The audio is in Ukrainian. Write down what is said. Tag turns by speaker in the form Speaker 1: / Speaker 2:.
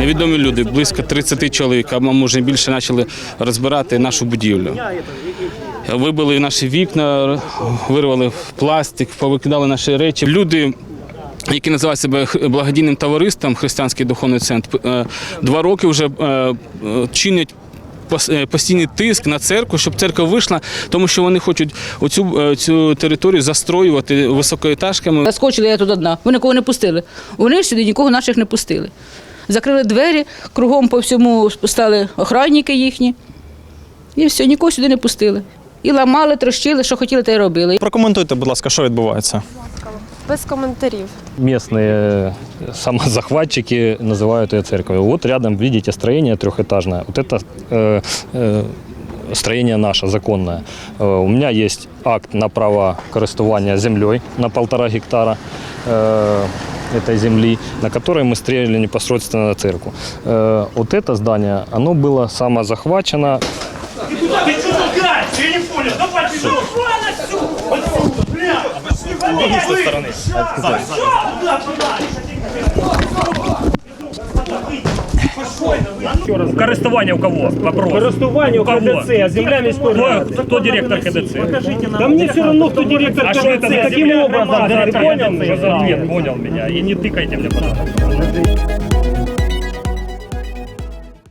Speaker 1: невідомі люди, близько 30 чоловік, а може більше, почали розбирати нашу будівлю. Вибили наші вікна, вирвали пластик, повикидали наші речі. Люди, які називають себе благодійним товариством «Християнський духовний центр», 2 роки вже чинять постійний тиск на церкву, щоб церква вийшла, тому що вони хочуть цю територію застроювати високоетажками.
Speaker 2: Заскочила я тут одна, вони нікого не пустили. Вони сюди нікого наших не пустили. Закрили двері, кругом по всьому стали охранники їхні. І все, нікого сюди не пустили. І ламали, трощили, що хотіли, те й робили.
Speaker 3: Прокоментуйте, будь ласка, що відбувається.
Speaker 4: Без коментарів.
Speaker 5: Местные самозахватчики называют ее церковью. Вот рядом видите строение трехэтажное. Вот это строение наше, законное. У меня есть акт на право користування землей на 1,5 гектара этой земли, на которой мы строили непосредственно на церковь. Вот это здание, оно было самозахвачено.
Speaker 6: Користування у кого? Вопрос.
Speaker 7: Користування у КДЦ, а земля міської.
Speaker 6: Кто директор КДЦ?
Speaker 7: Да мне все равно, кто директор
Speaker 6: А что это
Speaker 7: КДЦ.
Speaker 6: за
Speaker 7: Каким
Speaker 6: земля?
Speaker 7: образом? Ты понял
Speaker 6: Что за ответ? Понял меня. И не тыкайте мне, пожалуйста.